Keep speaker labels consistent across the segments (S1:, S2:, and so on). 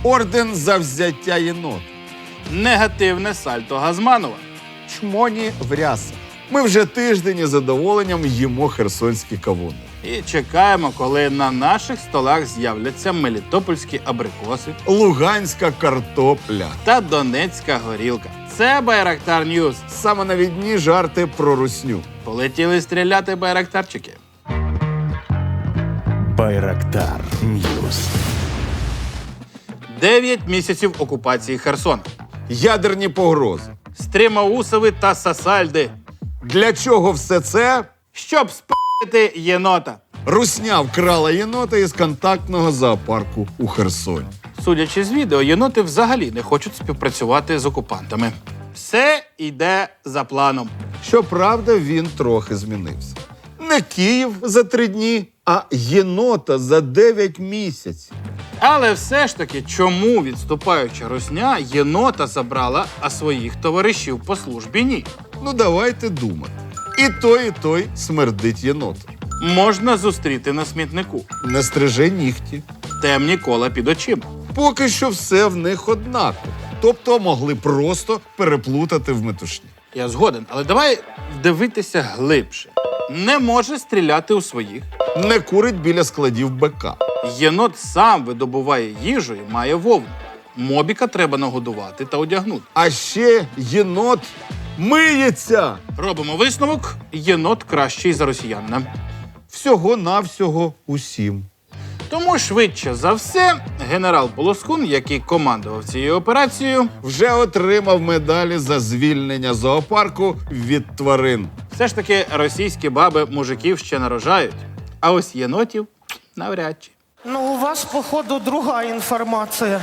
S1: Орден за взяття єнот.
S2: Негативне сальто Газманова.
S1: Чмоні в рясах. Ми вже тиждень із задоволенням їмо херсонські кавуни.
S2: І чекаємо, коли на наших столах з'являться мелітопольські абрикоси
S1: Луганська картопля.
S2: та донецька горілка. Це Байрактар Ньюз.
S1: Саме навідні жарти про русню.
S2: Полетіли стріляти байрактарчики.
S3: Байрактар Ньюс.
S2: 9 місяців окупації Херсона.
S1: Ядерні погрози.
S2: Стрімаусови та Сасальди.
S1: Для чого все це?
S2: Щоб спити єнота.
S1: Русня вкрала єнота із контактного зоопарку у Херсоні.
S2: Судячи з відео, єноти взагалі не хочуть співпрацювати з окупантами. Все йде за планом.
S1: Щоправда, він трохи змінився. Не Київ за 3 дні, а єнота за 9 місяців.
S2: Але все ж таки, чому відступаюча русня єнота забрала, а своїх товаришів по службі ні?
S1: Ну, давайте думати. І той смердить єнотом.
S2: Можна зустріти на смітнику.
S1: Не стриже нігті.
S2: Темні кола під очима.
S1: Поки що все в них однаково. Тобто могли просто переплутати в метушні.
S2: Я згоден, але давай дивитися глибше. Не може стріляти у своїх.
S1: Не курить біля складів БК.
S2: Єнот сам видобуває їжу і має вовну. Мобіка треба нагодувати та одягнути.
S1: А ще єнот миється.
S2: Робимо висновок. Єнот кращий за росіянина.
S1: Всього-навсього усім.
S2: Тому швидше за все, генерал Полоскун, який командував цією операцією,
S1: Вже отримав медалі за звільнення зоопарку від тварин.
S2: все ж таки російські баби мужиків ще нарожають. А ось єнотів навряд чи.
S4: Ну, у вас, походу, друга інформація.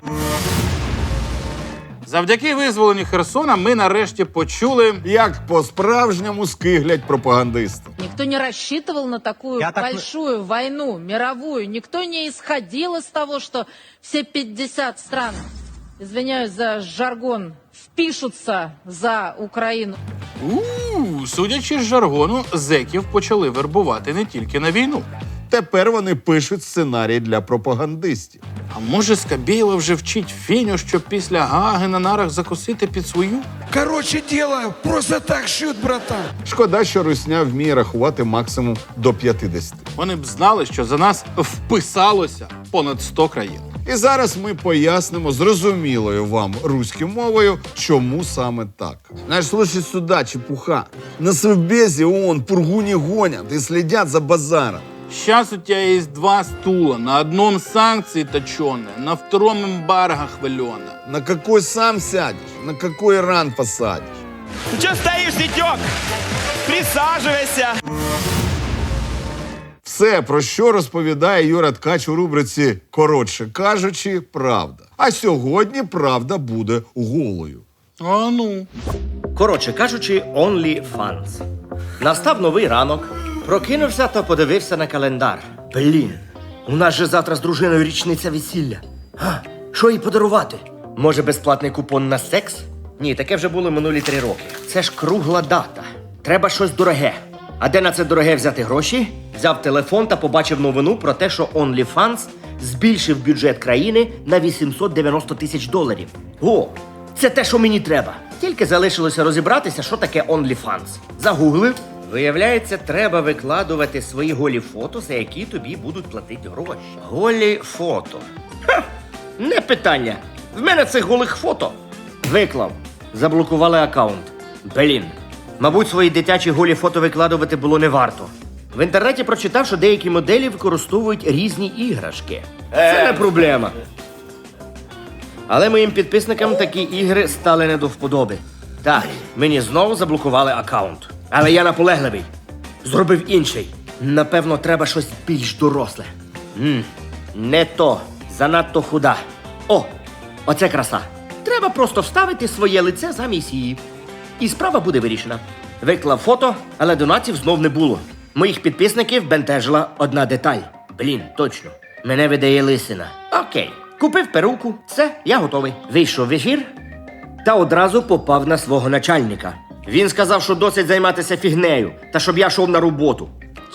S2: Завдяки визволенню Херсона ми нарешті почули,
S1: Як по-справжньому скиглять пропагандисти.
S5: Никто не рассчитывал на такую большую войну, мировую. Никто не исходил из того, что все 50 стран, извиняюсь за жаргон, впишутся за Украину.
S2: судячи з жаргону, зеків почали вербувати не тільки на війну.
S1: Тепер вони пишуть сценарій для пропагандистів.
S2: А може, Скабєєва вже вчить Феню, щоб після Гаги на нарах закусити під свою?
S6: Короче, дело просто так шьют, братан.
S1: Шкода, що русня вміє рахувати максимум до 50.
S2: Вони б знали, що за нас вписалося понад 100 країн.
S1: І зараз ми пояснимо зрозумілою вам руською мовою, чому саме так. Знаєш, слушай сюда, чепуха. На Совбезі ООН пургу не гонят и следят за базаром.
S2: Сейчас у тебя есть 2 стула. На одном санкции точеные, на втором эмбарго хваленое.
S1: На какой сам сядешь, на какой Иран посадишь?
S7: Ну что стоишь, Витек? Присаживайся.
S1: Все, про що розповідає Юра Ткач у рубриці «Коротше кажучи, правда». А сьогодні правда буде голою.
S2: А ну.
S8: Коротше кажучи, OnlyFans. Настав новий ранок, прокинувся та подивився на календар. Блін, у нас же завтра з дружиною річниця весілля. Що їй подарувати? Може, безплатний купон на секс? Ні, таке вже було минулі 3 роки. Це ж кругла дата. Треба щось дороге. А де на це дороге взяти гроші? Взяв телефон та побачив новину про те, що OnlyFans збільшив бюджет країни на $890 тисяч. О, це те, що мені треба. Тільки залишилося розібратися, що таке OnlyFans. Загуглив. Виявляється, треба викладувати свої голі фото, за які тобі будуть платити гроші. Голі фото. Ха! Не питання. В мене цих голих фото. Виклав. Заблокували аккаунт. Блін. Мабуть, свої дитячі голі фото викладувати було не варто. В інтернеті прочитав, що деякі моделі використовують різні іграшки. Це не проблема. Але моїм підписникам такі ігри стали не до вподоби. Так, мені знову заблокували аккаунт. Але я наполегливий. Зробив інший. Напевно, треба щось більш доросле. Не то. Занадто худа. О, оце краса. Треба просто вставити своє лице замість її. І справа буде вирішена. Виклав фото, але донатів знов не було. Моїх підписників бентежила одна деталь. Блін, точно. Мене видає лисина. Окей. Купив перуку. Все, я готовий. Вийшов в ефір та одразу попав на свого начальника. Він сказав, що досить займатися фігнею, та щоб я йшов на роботу.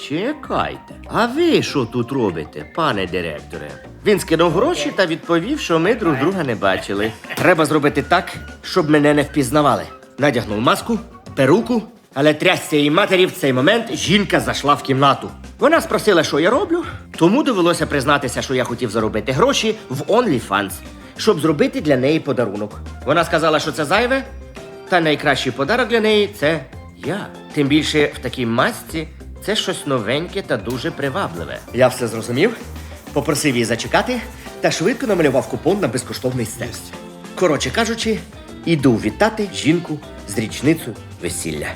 S8: Чекайте, а ви що тут робите, пане директоре? Він скинув гроші та відповів, що ми друг друга не бачили. Треба зробити так, щоб мене не впізнавали. Надягнув маску, перуку, але трясся її матері в цей момент жінка зайшла в кімнату. Вона спросила, що я роблю, тому довелося признатися, що я хотів заробити гроші в OnlyFans, щоб зробити для неї подарунок. Вона сказала, що це зайве, та найкращий подарок для неї – це я. Тим більше в такій масці це щось новеньке та дуже привабливе. Я все зрозумів, попросив її зачекати та швидко намалював купон на безкоштовний секс. Коротше кажучи, іду вітати жінку з річницею весілля.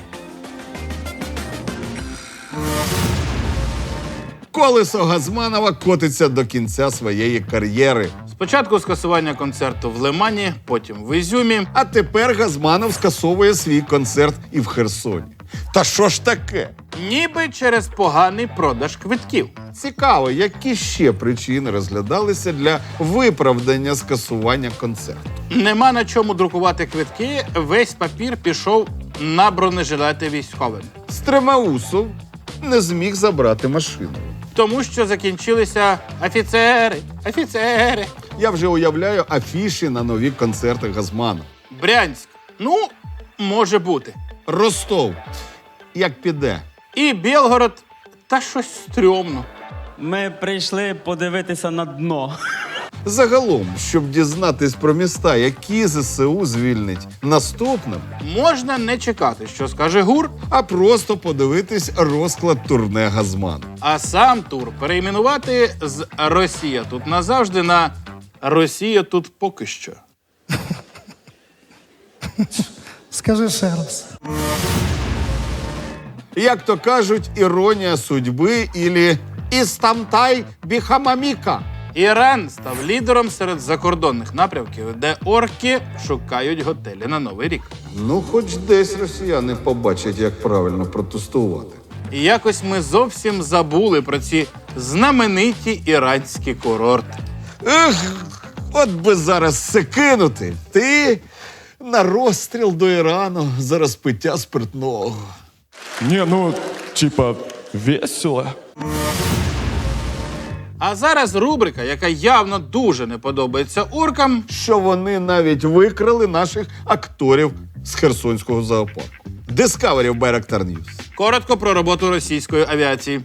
S1: Колесо Газманова котиться до кінця своєї кар'єри.
S2: Спочатку скасування концерту в Лимані, потім в Ізюмі.
S1: А тепер Газманов скасовує свій концерт і в Херсоні. Та що ж таке?
S2: Ніби через поганий продаж квитків.
S1: Цікаво, які ще причини розглядалися для виправдання скасування концерту.
S2: Нема на чому друкувати квитки, весь папір пішов на бронежилети військовим.
S1: Стремаусов не зміг забрати машину.
S2: Тому що закінчилися офіцери.
S1: Я вже уявляю афіші на нові концерти Газманова.
S2: Брянськ. Ну, може бути.
S1: Ростов. Як піде?
S2: І Білгород. Та щось стрьомно.
S9: Ми прийшли подивитися на дно.
S1: Загалом, щоб дізнатись про міста, які ЗСУ звільнить наступним,
S2: Можна не чекати, що скаже ГУР,
S1: а просто подивитись розклад турне Газмана.
S2: а сам тур перейменувати з «Росія тут назавжди» на «Росія тут поки що».
S4: Скажи ще раз.
S1: Як то кажуть, іронія судьби ілі «Істамтай біхамаміка».
S2: Іран став лідером серед закордонних напрямків, де орки шукають готелі на Новий рік.
S1: Ну, хоч десь росіяни побачать, як правильно протестувати.
S2: І якось ми зовсім забули про ці знамениті іранські курорти.
S1: Ех, от би зараз все кинути. Ти на розстріл до Ірану за розпиття спиртного.
S10: Не, ну, типа, весело.
S2: А зараз рубрика, яка явно дуже не подобається оркам.
S1: Що вони навіть викрали наших акторів з Херсонського зоопарку. Discovery в Байрактар Ньюс.
S2: Коротко про роботу російської авіації.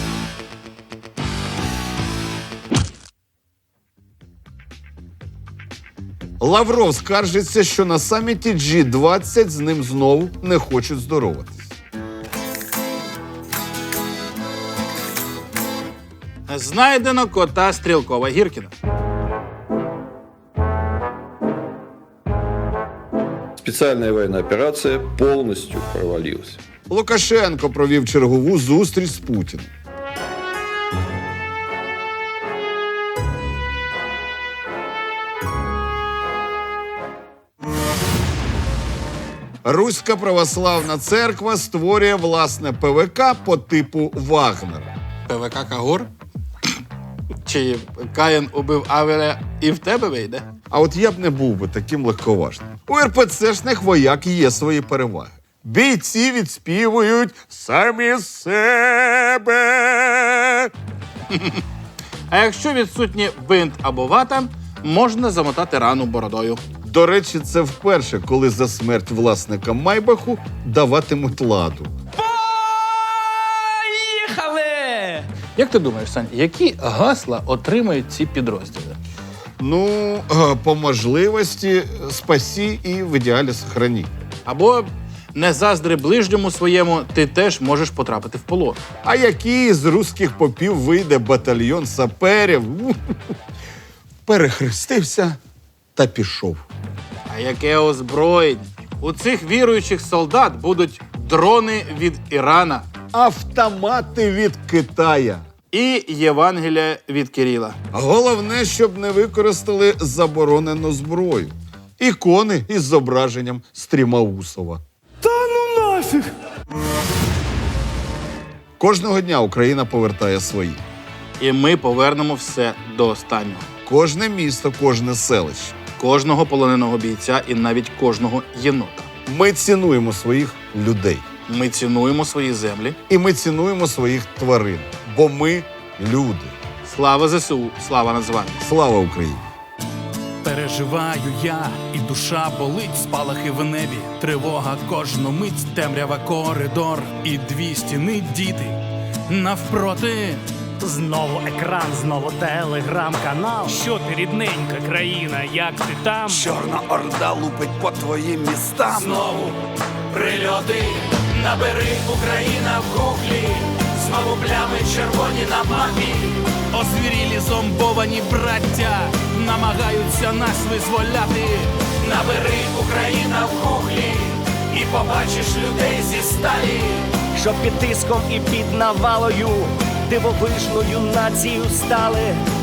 S1: Лавров скаржиться, що на саміті G20 з ним знову не хочуть здороватись.
S2: Знайдено кота Стрілкова Гіркіна.
S11: Специальная военная операция полностью провалилась.
S1: Лукашенко провів чергову зустріч з Путіним. Руська православна церква створює власне ПВК по типу Вагнера.
S2: ПВК Кагор? Чи Каїн убив Авеля і в тебе вийде?
S1: А от я б не був би таким легковажним. У РПЦшних вояк є свої переваги. Бійці відспівують самі себе.
S2: А якщо відсутні бинт або вата, можна замотати рану бородою.
S1: До речі, це вперше, коли за смерть власника Майбаху даватимуть ладу.
S9: Поїхали!
S2: Як ти думаєш, Сань, які гасла отримають ці підрозділи?
S1: Ну, по можливості спасі і в ідеалі сохрані.
S2: Або не заздри ближньому своєму, ти теж можеш потрапити в полон.
S1: А який з руських попів вийде батальйон саперів? Перехрестився та пішов.
S2: А яке озброєння? У цих віруючих солдат будуть дрони від Ірана
S1: Автомати від Китая.
S2: і Євангелія від Кирила.
S1: Головне, щоб не використали заборонену зброю. Ікони із зображенням Стрімаусова.
S9: Та ну нафіг!
S1: Кожного дня Україна повертає свої.
S2: І ми повернемо все до останнього.
S1: Кожне місто, кожне селище.
S2: Кожного полоненого бійця і навіть кожного єнота.
S1: Ми цінуємо своїх людей.
S2: Ми цінуємо свої землі.
S1: І ми цінуємо своїх тварин, бо ми люди.
S2: Слава ЗСУ, слава Нацгвардії.
S1: Слава Україні!
S6: Переживаю я, і душа болить, спалахи в небі, тривога кожну мить, темрява коридор, і дві стіни діти навпроти.
S9: Знову екран, знову телеграм-канал. Що ти, рідненька країна, як ти там?
S6: Чорна орда лупить по твоїм містам.
S9: Знову прильоти, набери Україна в гуглі. Знову плями червоні на мапі.
S6: Озвірілі зомбовані браття намагаються нас визволяти.
S9: Набери Україна в гуглі і побачиш людей зі сталі.
S8: Що під тиском і під навалою дивовижною нацією стали.